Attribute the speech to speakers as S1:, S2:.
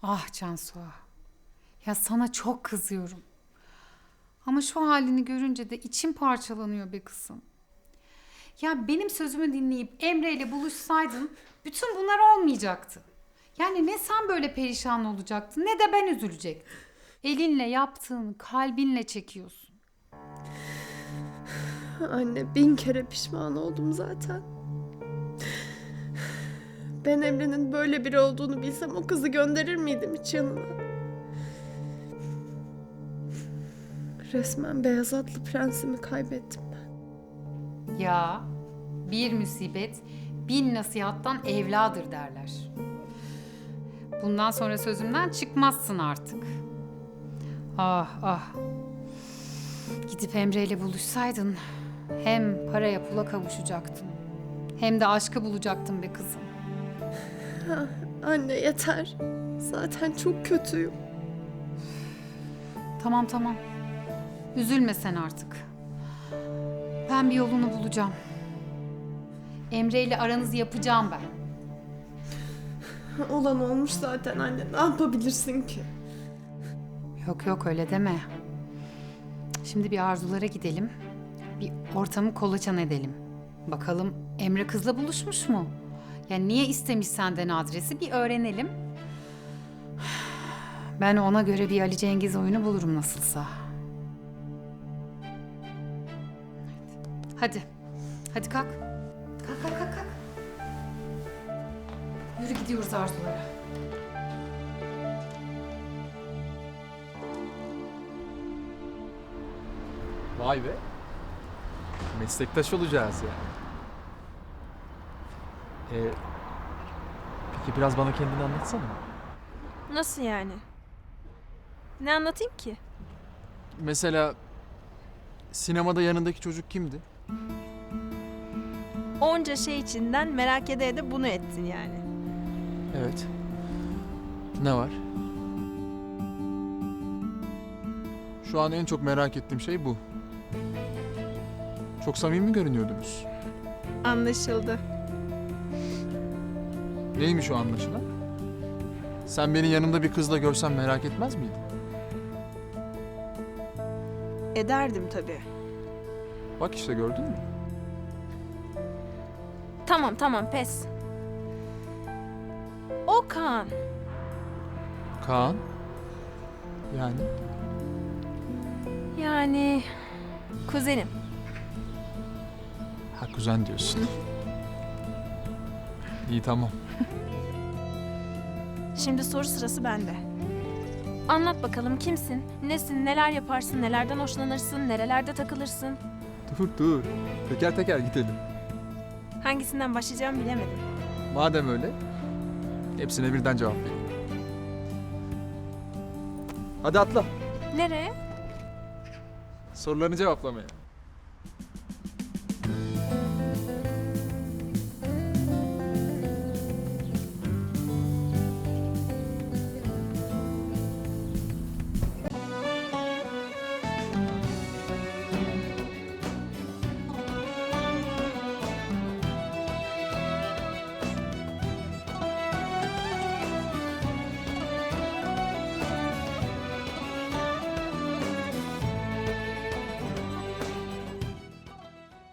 S1: Ah Cansu. Ya sana çok kızıyorum. Ama şu halini görünce de içim parçalanıyor be kızım. Ya benim sözümü dinleyip Emre ile buluşsaydın bütün bunlar olmayacaktı. Yani ne sen böyle perişan olacaktın ne de ben üzülecektim. Elinle yaptığını kalbinle çekiyorsun.
S2: Anne 1000 kere pişman oldum zaten. Ben Emre'nin böyle biri olduğunu bilsem o kızı gönderir miydim hiç yanına? Resmen beyaz atlı prensimi kaybettim ben.
S1: Ya bir musibet bin nasihattan evladır derler. Bundan sonra sözümden çıkmazsın artık. Ah ah. Gidip Emre ile buluşsaydın hem paraya pula kavuşacaktın hem de aşkı bulacaktın be kızım.
S2: Anne yeter. Zaten çok kötüyüm.
S1: Tamam tamam. Üzülme sen artık. Ben bir yolunu bulacağım. Emre ile aranızı yapacağım ben.
S2: Olan olmuş zaten anne. Ne yapabilirsin ki?
S1: Yok yok öyle deme. Şimdi bir Arzulara gidelim. Bir ortamı kolaçan edelim. Bakalım Emre kızla buluşmuş mu? Yani niye istemiş senden adresi bir öğrenelim. Ben ona göre bir Ali Cengiz oyunu bulurum nasılsa. Hadi. Hadi kalk. Kalk kalk kalk kalk. Yürü gidiyoruz Arzulara.
S3: Vay be. Meslektaş olacağız yani. Peki biraz bana kendini anlatsana.
S4: Nasıl yani? Ne anlatayım ki?
S3: Mesela sinemada yanındaki çocuk kimdi?
S4: Onca şey içinden merak ede de bunu ettin yani.
S3: Evet. Ne var? Şu an en çok merak ettiğim şey bu. Çok samimi görünüyordunuz.
S4: Anlaşıldı.
S3: Neymiş o anlaşılan? Sen beni yanımda bir kızla görsen merak etmez miydin?
S4: Ederdim tabii.
S3: Bak işte gördün mü?
S4: Tamam pes. O Kaan.
S3: Kaan? Yani?
S4: Yani kuzenim.
S3: Ha kuzen diyorsun. İyi tamam.
S4: Şimdi soru sırası bende. Anlat bakalım kimsin, nesin, neler yaparsın, nelerden hoşlanırsın, nerelerde takılırsın?
S3: Dur. Teker teker gidelim.
S4: Hangisinden başlayacağımı bilemedim.
S3: Madem öyle, hepsine birden cevap vereyim. Hadi atla.
S4: Nereye?
S3: Sorularını cevaplamaya.